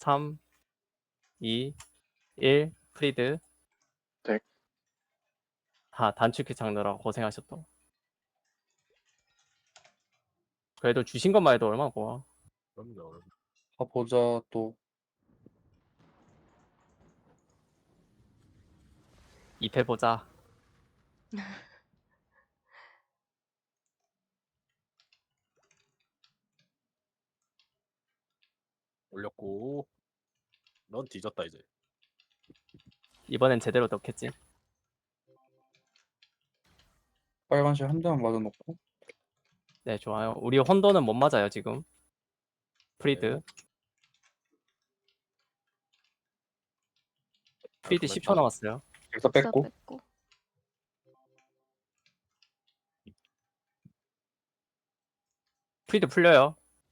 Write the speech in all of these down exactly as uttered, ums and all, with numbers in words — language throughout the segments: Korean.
삼, 이, 일, 프리드. 네. 아, 단축키 장르라 고생하셨다. 그래도 주신 것만 해도 얼마나 고마워. 그럼요. 가보자 또. 입해보자. 올렸고 넌 뒤졌다 이제. 이번엔 제대로 넣겠지. 빨간색 한 대만 맞아놓고. 네, 좋아요. 우리 혼돈은 못 맞아요, 지금. 프리드. 네. 프리드 깔끔했다. 십 초 남았어요. 여기서 뺐어 뺐고. 뺐고. 프리드 풀려요.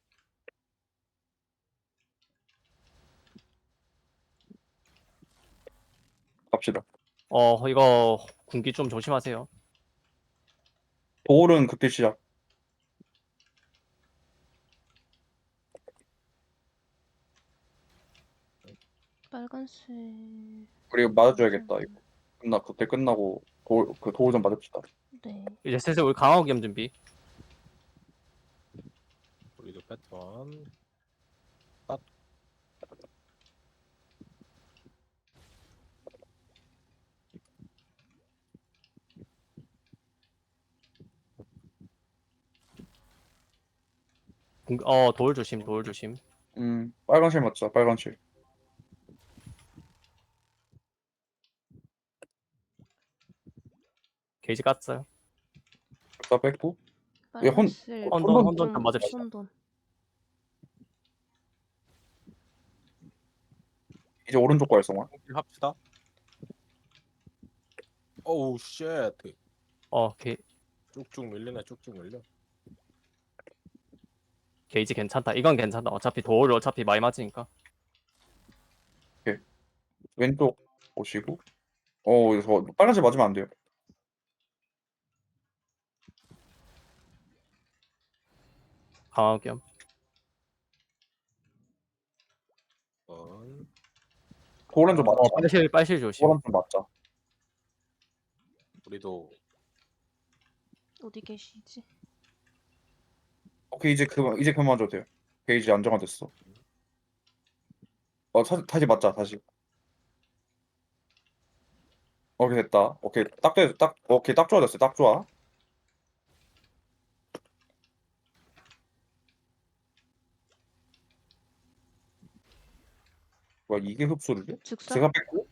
갑시다. 어, 이거 군기 좀 조심하세요. 도울은 극딜 시작. 빨간색. 그리고 맞아줘야겠다 이거. 끝나 극딜 끝나고 도울 그 도울 좀 맞읍시다. 네. 이제 슬슬 우리 강화기염 준비. 우리도 패턴. 군- 어, 도울 조심, 도울 조심. 음 빨간색 맞자. 빨간색. 게이지 깠어요. 여기서 뺐고. 예, 혼- 빨간색. 혼돈, 혼돈 혼돈 좀 좀 맞읍시다. 혼돈. 이제 오른쪽 발성화. 합시다. 오우 쉣. 어, 게, 쭉쭉 밀리네 쭉쭉 밀려. 게이지 괜찮다. 이건 괜찮다. 어차피 도울 어차피 많이 맞으니까. 왼쪽 오시고. 어 여기서 빨간색 맞으면 안 돼요. 강화기염. 번. 도울은 좀 맞자. 어, 빨실, 빨실 조심. 도울은 좀 맞자. 우리도 어디 계시지? 오케이 이제 그만 이제 그만 맞아도 돼요. 게이지 안정화됐어. 어 사, 다시 맞자 다시. 오케이 됐다. 오케이 딱 돼, 딱 오케이 딱 좋아졌어요. 딱 좋아. 뭐야 이게 흡수를 해? 즉사? 제가 뺐고.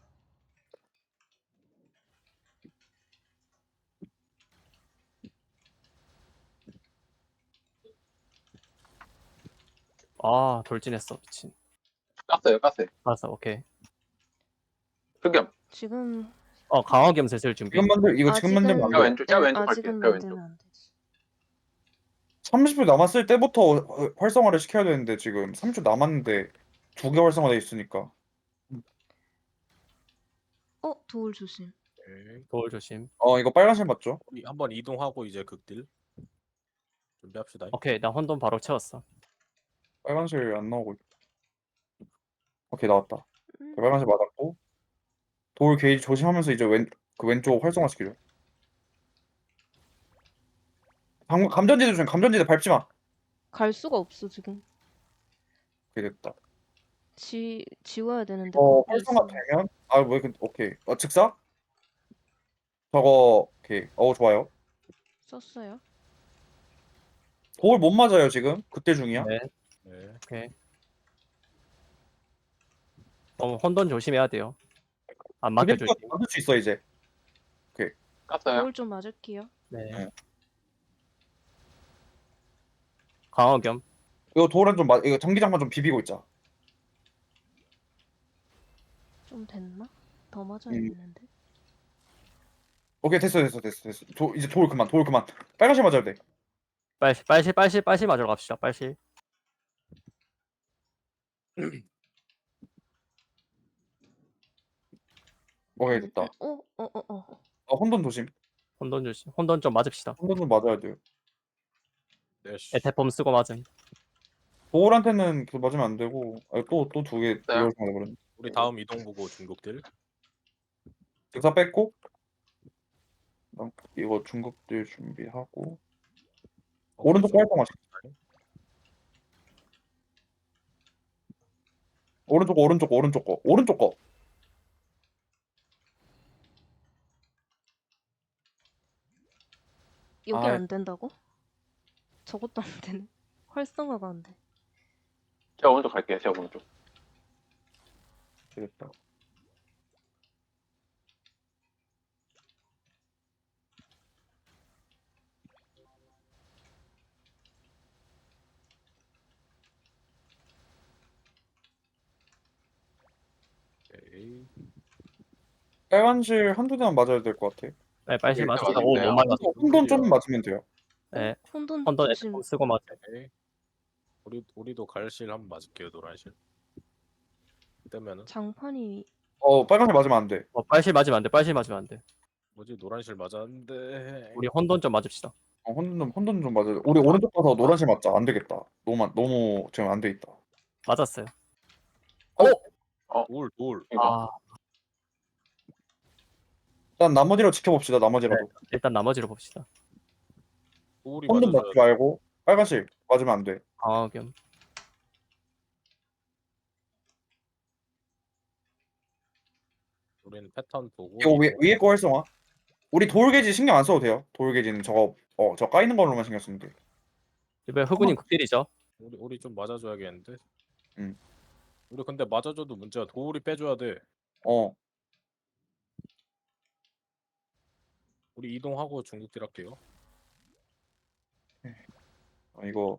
아, 돌진했어. 미친. 깠어요, 깠어요. 알았어, 오케이. 흑염. 지금 어, 강화기염 슬슬 준비. 지금 만들 이거 지금 아직은- 만들면 안 제가 돼. 왼쪽, 제가 네, 왼쪽 아직은 갈게요. 제가 왼쪽. 만들면 안 되지. 삼십 분 남았을 때부터 어, 활성화를 시켜야 되는데 지금 삼십 초 남았는데 두 개 활성화돼 있으니까. 어 도울 조심. 오케이. 도울 조심. 어 이거 빨간색 맞죠? 우리 한번 이동하고 이제 극딜 준비합시다. 오케이, 나 혼돈 바로 채웠어. 빨간색 안 나오고. 있- 오케이 나왔다. 음. 빨간색 맞았고. 돌 게이지 조심하면서 이제 왼 그 왼쪽 활성화 시키죠. 방금 감전지대 조심. 감전지대 밟지 마. 갈 수가 없어 지금. 오케이 됐다. 지 지워야 되는데. 어 거기 활성화 있으면. 되면 아왜 그 오케이. 어 즉사? 저거 오케이. 어 좋아요. 썼어요. 돌 못 맞아요 지금. 그때 중이야. 네, 네. 오케이. 어, 혼돈 조심해야 돼요. 안 맞게 그때 조심. 맞을 수 있어 이제. 깠어요. 도울 좀 맞을게요. 네. 네. 강화기염. 이거 돌은 좀 맞. 이거 전기장판 좀 비비고 있자. 좀 됐나? 더 맞아야 음. 되는데. 오케이 됐어 됐어 됐어 됐어. 도, 이제 돌 그만 돌 그만. 빨간색 맞아야 돼. 빨실, 빨실, 빨실, 빨실 맞으러 갑시다. 빨실. 오케이 됐다. 어어어 어, 어, 어. 어 혼돈 조심. 혼돈 조심. 혼돈 좀 맞읍시다. 혼돈 좀 맞아야 돼요. 네. 씨. 에테폼 쓰고 맞음. 도울한테는 그 맞으면 안 되고 또또 두 개 두 개 네. 활성화 돼버렸네. 우리 다음 이동 보고 중국딜. 즉사 뺐고 그다음 이거 중국들 준비하고 어, 오른쪽 중국 활성화 시켜. 오른쪽 거, 오른쪽 거, 오른쪽 거 오른쪽 거. 여기 아이. 안 된다고? 저것도 안 되네. 활성화가 안 돼. 제가 오른쪽 갈게요. 제가 오른쪽. 되겠다. 오케이. 빨간실 한두 대만 맞아야 될 것 같아. 네, 빨실 네, 맞았다. 맞아요. 오, 네, 못 맞았어. 혼돈 좀 맞으면 돼요. 네, 혼돈 헌돈 조심. 에스콤 쓰고 맞아. 오케이. 우리 우리도 갈실 한번 맞을게요. 노란실. 뜨면은 장판이 어 빨간실 맞으면 안 돼. 어, 빨실 맞으면 안 돼. 빨실 맞으면 안 돼. 뭐지 노란실 맞았는데. 우리 헌돈 좀 맞읍시다. 어, 혼돈 좀 혼돈 좀 맞아야 돼. 우리 오른쪽 가서 노란실 맞자. 안 되겠다. 너무 안- 너무 지금 안 돼 있다. 맞았어요. 돌 돌. 아, 일단 나머지로 지켜봅시다. 나머지라도. 일단 나머지로 봅시다. 돌이 혼돈 맞아줘야 맞지 말고 빨간실 맞으면 안 돼. 강화겸. 우리는 패턴 보고. 이거 위에, 이동. 위에 거 활성화. 우리 돌게지 신경 안 써도 돼요. 돌게지는 저거 어 저 까이는 걸로만 신경 쓰면 돼. 이번에 흑운님 극딜이죠. 우리 우리 좀 맞아줘야겠는데. 응. 우리 근데 맞아줘도 문제야. 돌이 빼줘야 돼. 어 우리 이동하고 중국딜 할게요. 어, 이거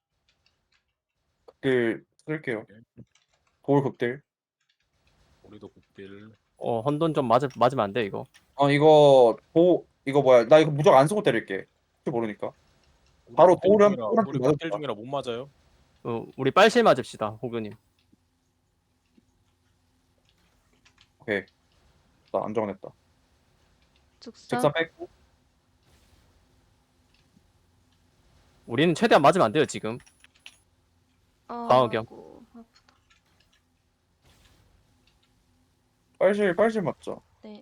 극딜 쓸게요. 돌 극딜. 우리도 국딜. 어, 헌돈 좀 맞으, 맞으면 안 돼, 이거. 어 이거 도 이거 뭐야? 나 이거 무조건 안 쓰고 때릴게. 혹시 모르니까. 바로 국딜 돌은- 중이라- 돌은 우리 좀 국딜 맞았다. 중이라 못 맞아요. 어, 우리 빨실 맞읍시다, 호그님. 오케이. 나 안정했다. 즉사. 직사 뺐고 우리는 최대한 맞으면 안 돼요, 지금. 방어경. 아이고, 아프다. 빨실 빨실 맞자. 네.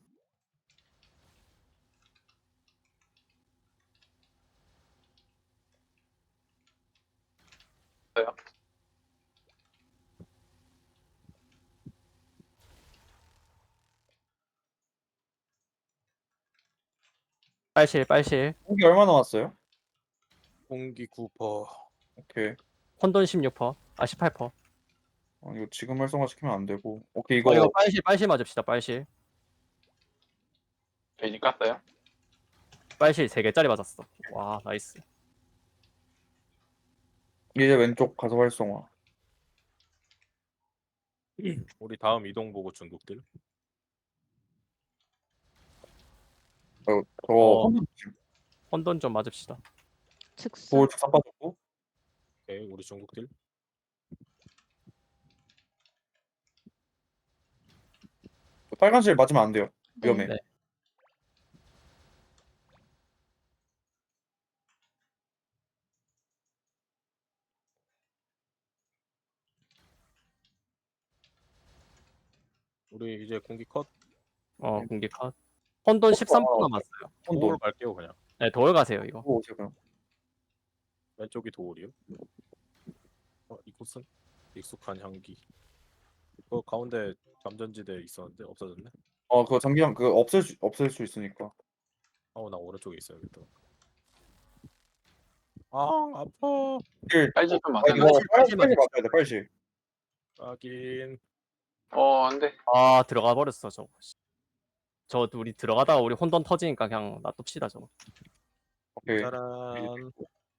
됐어요. 빨실, 빨실. 공기 얼마 남았어요? 공기 구 퍼센트. 오케이. 헌돈 십육 퍼센트. 아, 십팔 퍼센트. 어, 이거 지금 활성화 시키면 안 되고. 오케이 이거, 이거 이거 빨실, 빨실 맞읍시다, 빨실. 베이지 깠어요. 빨실 세 개짜리 맞았어. 와, 나이스. 이제 왼쪽 가서 활성화. 우리 다음 이동 보고 중국딜. 어, 저 어. 혼돈 지금 헌돈 좀 맞읍시다. 즉사. 돌 직사 빠졌고. 오케이 우리 중국딜. 빨간실 맞으면 안 돼요. 위험해. 네. 우리 이제 공기 컷. 어, 공기 컷. 헌돈 십삼 퍼센트 남았어요. 돌 혼돈. 갈게요 그냥. 네, 돌 가세요, 이거. 오 지금. 왼쪽이 도울이요. 어, 이곳은 익숙한 향기. 그 가운데 잠전지대 있었는데 없어졌네. 어 그거 장기장 그 없앨 수 없앨 수 있으니까. 아우 나 오른쪽에 있어야겠다. 아 아파. 일. 빨지 좀 아 맞아요. 이거 빨실, 빨실 빨실 맞아야 돼. 빨실. 하긴. 어, 안 돼. 아, 들어가 버렸어, 저거. 저 우리 들어가다가 우리 혼돈 터지니까 그냥 놔둡시다, 저거. 오케이. 짜란.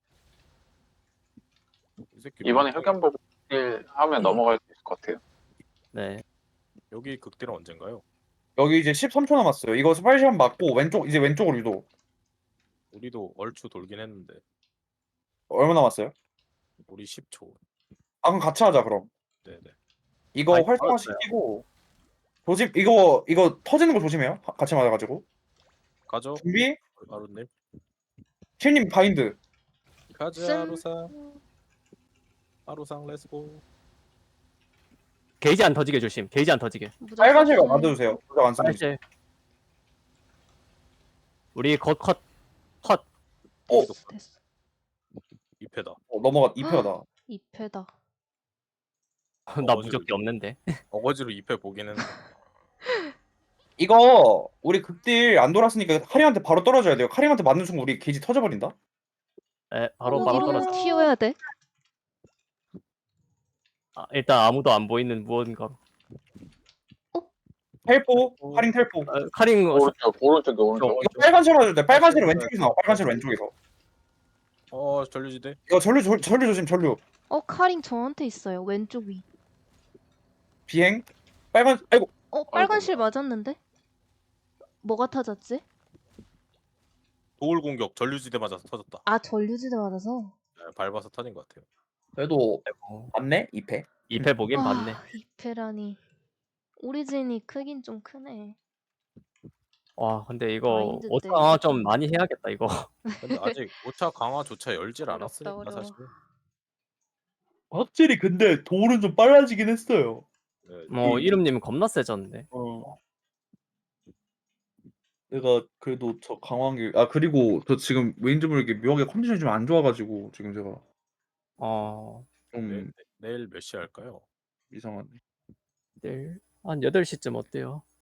이 새끼 이번에 뭐- 흑연 보고 일 하면 넘어갈 수 있을 것 같아요. 네. 여기 극딜은 언젠가요? 여기 이제 십삼 초 남았어요. 이거 빨실 한 맞고 왼쪽 이제 왼쪽으로 유도. 우리도 얼추 돌긴 했는데 얼마 남았어요? 우리 십 초. 아 그럼 같이 하자 그럼. 네네. 이거 아이, 활성화 알았어요. 시키고 조심 이거 이거 터지는 거 조심해요. 하- 같이 맞아가지고. 가죠. 준비. 아루님. 킬님 바인드. 가자 쓴- 루사. 하루상 렛츠고. 게이지 안 터지게 조심. 게이지 안 터지게. 무적 빨간 실각 썼어요. 놔둬주세요. 무적 안 쓰는 거. 빨실. 우리 컷 컷. 컷. 어? 됐어. 이 패다. 어, 넘어가 이 패다. 이 패다. 나 어거지로 무적기 이겨. 없는데. 어거지로 이 패 보긴 했는데. 이거 우리 극딜 안 돌았으니까 카림한테 바로 떨어져야 돼요. 카림한테 맞는 순간 우리 게이지 터져버린다. 에 바로 어, 바로 이러면 떨어져. 튀어야 돼. 아, 일단 아무도 안 보이는 무언가로. 텔포, 어. 카림 텔포. 아, 카링 어, 오른쪽 오른쪽에 오른쪽. 이거 빨간 실 맞을 때 빨간 실은 왼쪽에서 나와. 빨간 실은 왼쪽에서. 어 전류지대. 이거 전류 조- 전류 조심 전류. 어, 카링 저한테 있어요. 왼쪽 위. 비행. 빨간 아이고 어, 빨간 실 맞았는데? 뭐가 터졌지? 도울 공격 전류지대 맞아서 터졌다. 아, 전류지대 맞아서. 네, 밟아서 터진 것 같아요. 그래도 어, 맞네 이 패. 이 패 보긴 아, 봤네. 이 패라니. 오리진이 크긴 좀 크네. 와 근데 이거 마인드 때 오차 좀 이거 많이 해야겠다 이거. 근데 아직 오 차 강화조차 열질 어렵다, 않았으니까 어려워. 사실. 확실히 근데 돌은 좀 빨라지긴 했어요. 네, 뭐 음. 이름님 겁나 세졌는데. 어. 내가 그래도 저 강화한 게 아 그리고 저 지금 왠지 모르게 묘하게 컨디션이 좀 안 좋아가지고 지금 제가 어 좀 네, 내일 몇 시 할까요? 이상하네. 내일 한 여덟 시쯤 어때요?